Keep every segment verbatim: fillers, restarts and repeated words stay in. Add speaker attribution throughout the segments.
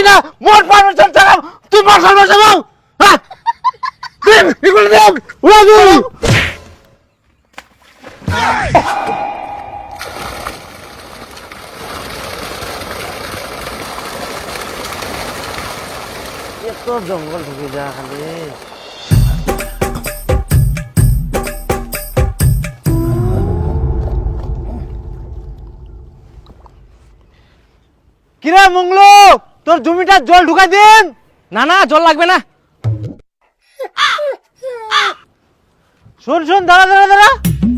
Speaker 1: না মোট পারমিশন ছাড়া তুই মার্শাল বসাবো হ্যাঁ তুই এগুলো দেখ উড়া তুই এত জঙ্গল ঢুকে যা খালি কিরে মঙ্গলু তোর জমিটা জল ঢুকাই দিন
Speaker 2: না না জল লাগবে না।
Speaker 1: শোন শোন দাঁড়া দাঁড়া দাঁড়া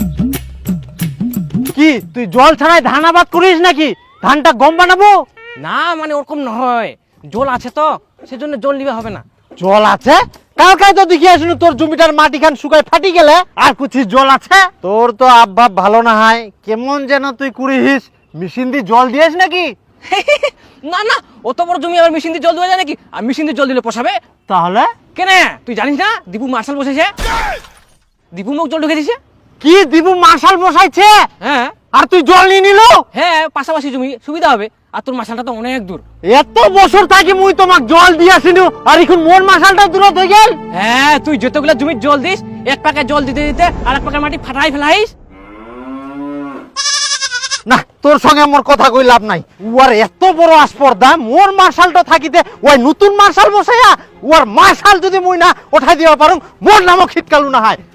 Speaker 1: কি তুই জল ছাড়াই ধান আবাদ করিস নাকি ধানটা গম বানাবো
Speaker 2: না মানে ওরকম নয়, জল আছে তো সেজন্য জল নিবে হবে না।
Speaker 1: জল আছে কালকাই তো দেখি আসুন তোর জমিটার মাটি খান শুকায় ফাটি গেলে আর কুছি জল আছে তোর তো আবভাব ভালো না হয় কেমন যেন তুই কুড়িস মেশিন দিয়ে জল দিয়েছ নাকি
Speaker 2: না না অত বড় জমি আবার মেশিন দিয়ে জল দেওয়া যায় নাকি? আর মেশিন দিয়ে জল দিলে পোষাবে?
Speaker 1: তাহলে
Speaker 2: কেন তুই জানিস না দীপু মার্শাল বসেছে, দীপু মুখ জল ঢুকে দিছে।
Speaker 1: কি দিবু মার্শাল বসাইছে
Speaker 2: হ্যাঁ
Speaker 1: আর তুই জল নিয়ে নিল
Speaker 2: হ্যাঁ পাশাপাশি জমি সুবিধা হবে আর তোর মার্শালটা তো অনেক দূর।
Speaker 1: এত বছর থাকি মুই তোমাক জল দিয়াছিনু আর এখন মোর মার্শালটা দূর হয়ে গেল।
Speaker 2: হ্যাঁ তুই যতগুলা জমির জল দিস এক পাকে জল দিতে দিতে আর এক পাকে মাটি ফাটাই ফেলাইস।
Speaker 1: না তোর সঙ্গে মোর কথা কই লাভ নাই উয়ার এত বড় আসপর্দা মোর মার্শালটা থাকিতে ওই নতুন মার্শাল বসাইয়া উয়ার মার্শাল যদি মুই না উঠাই দিবা পারুম মোর নামও খিটকালু না হয়।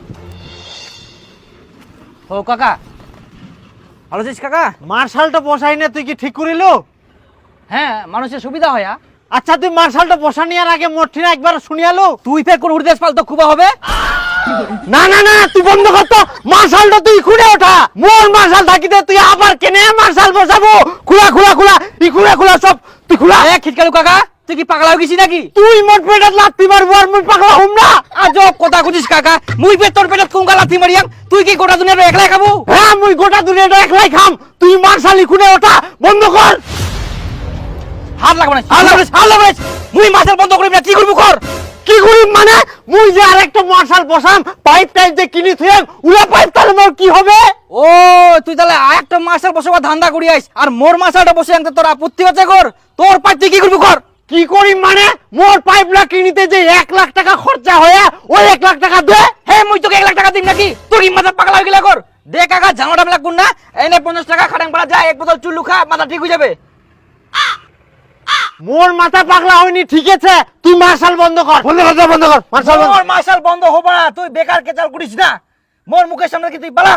Speaker 2: ও কাকা ভালো আছিস কাকা?
Speaker 1: মার্শালটা বসাই না তুই কি ঠিক করিল?
Speaker 2: হ্যাঁ মানুষের সুবিধা হয়।
Speaker 1: আচ্ছা তুই মার্শালটা বসা নেওয়ার আগে মোর ঠিনা একবার শুনিয়ালো
Speaker 2: তুই ফের কোন উড়দেশ পাল তো খুবা হবে?
Speaker 1: না না না তুই বন্ধ কর তো মার্শালটা তুই খুলে ওঠা মোর মার্শাল থাকিতে তুই আবার কেনে মার্শাল বসাবো খুলা খুলা খুলা ই খুলা খুলা সব তুই খুলা।
Speaker 2: এ খিটকালু কাকা তুই কি পাগলা হয়ে গেছিস নাকি?
Speaker 1: তুই মোট পেটাত লাত্তি মারবো আর মুই পাগলা হম না।
Speaker 2: আজব কথা কইছিস কাকা, মুই ফের তোর পেটে কুঙ্গা লাথি মারিয়াম, তুই কি গোটা দুনিয়া একলাই খাবো?
Speaker 1: হ্যাঁ মুই গোটা দুনিয়াটা একলাই খাম তুই মার্শালি খুলে ওঠা বন্ধ কর।
Speaker 2: হাত লাগবে না হাত লাগবে হাত লাগবে মুই মার্শাল বন্ধ করিব না কি করব কর।
Speaker 1: কি করিম মানে মুই যে আরেকটা মার্শাল বসাম পাইপ টাইপ যে কিনি থুয়াম উলা পাইপ তাহলে মোর কি হবে?
Speaker 2: ও তুই তাহলে আরেকটা মার্শাল বসাবা ধান্দা করি আইস আর মোর মার্শালটা বসে আনতে তোর আপত্তি হচ্ছে কর। তোর পাইপ তুই কি করবি কর।
Speaker 1: কি করিম মানে মোর পাইপলা কিনিতে যে এক লাখ টাকা খরচা হয়ে ওই এক লাখ টাকা দে।
Speaker 2: হে মুই তোকে এক লাখ টাকা দিম নাকি? তোর কি মাথা পাগলা হয়ে গেলে কর। দে কাকা ঝামেলা মেলা কোন না এনে পঞ্চাশ টাকা খাটাং পাড়া যায় এক বোতল চুল্লু খা মাথা ঠিক হয়ে যাবে।
Speaker 1: মোর মাথা পাগলা হয়নি ঠিক আছে তুই মার্শাল বন্ধ কর বন্ধ কর বন্ধ কর মার্শাল বন্ধ।
Speaker 2: মোর মার্শাল বন্ধ হবে না, তুই বেকার কেচাল করিস না মোর মুখের সামনে কি তুই পালা।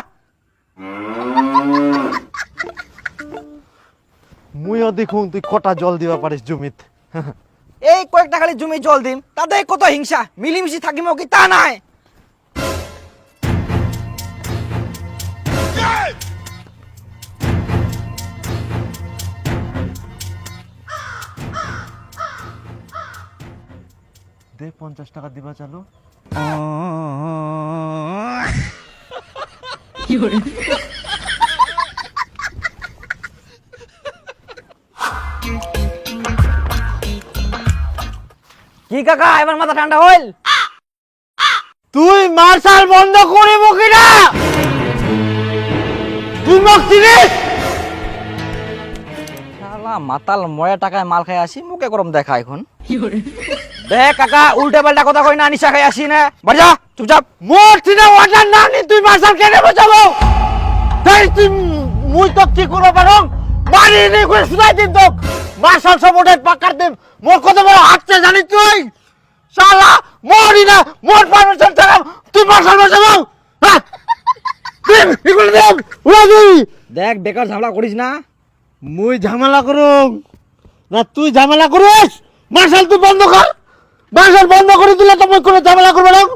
Speaker 1: মুইও দেখুন তুই কটা জল দিবা পারিস জমিত।
Speaker 2: এই কয়েকটা খালি জমি জল দিম তাতে কত হিংসা মিলিমিশি থাকিম কি তা নাই।
Speaker 1: দে পঞ্চাশ টাকা দিবা চালু।
Speaker 2: কি কাকা এবার মাথা ঠান্ডা হইল?
Speaker 1: তুই মার্শাল বন্ধ করিব কিনা তুই মোক চিনিস?
Speaker 2: শালা মাতাল ময়া টাকায় মাল খাই আসি মুখে গরম দেখা এখন। দেখ কাকা উল্টা পাল্টা কথা কই না নিশা খাই আসি না বাড়ি যা চুপচাপ।
Speaker 1: মোর চিনা ওয়াটার না নি তুই মার্শাল কেনে বসাবো? তাই তুই মুই তো কি করব পারং মারি নি করে সুদাই দিন তো মার্শাল সব ওটাই পাকার দিন মোর কত বড় হাতছে জানিস তুই? শালা মরি না মোর পারমিশন ছাড়া তুই মার্শাল বসাবো হ্যাঁ তুই এগুলো দেখ উড়া তুই।
Speaker 2: দেখ বেকার ঝামেলা করিস না।
Speaker 1: মুই ঝামেলা করুম না তুই ঝামেলা করিস? মার্শাল তুই বন্ধ কর মার্শাল বন্ধ করে দিলে তো মুই কোনো ঝামেলা করবো না।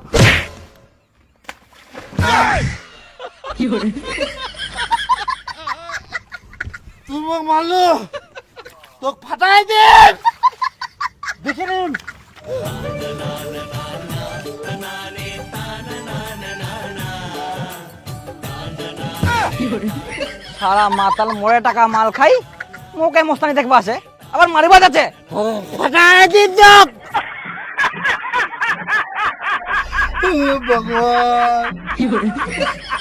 Speaker 1: তুই মোক মারলো তোকে ফাটাই দে দেখে নিন।
Speaker 2: সারা মাতাল মরে টাকা মাল খাই মুখে মস্তানি দেখবা আছে আবার মারিবা যাচ্ছে।
Speaker 1: ফাটাই দিন ভগবান।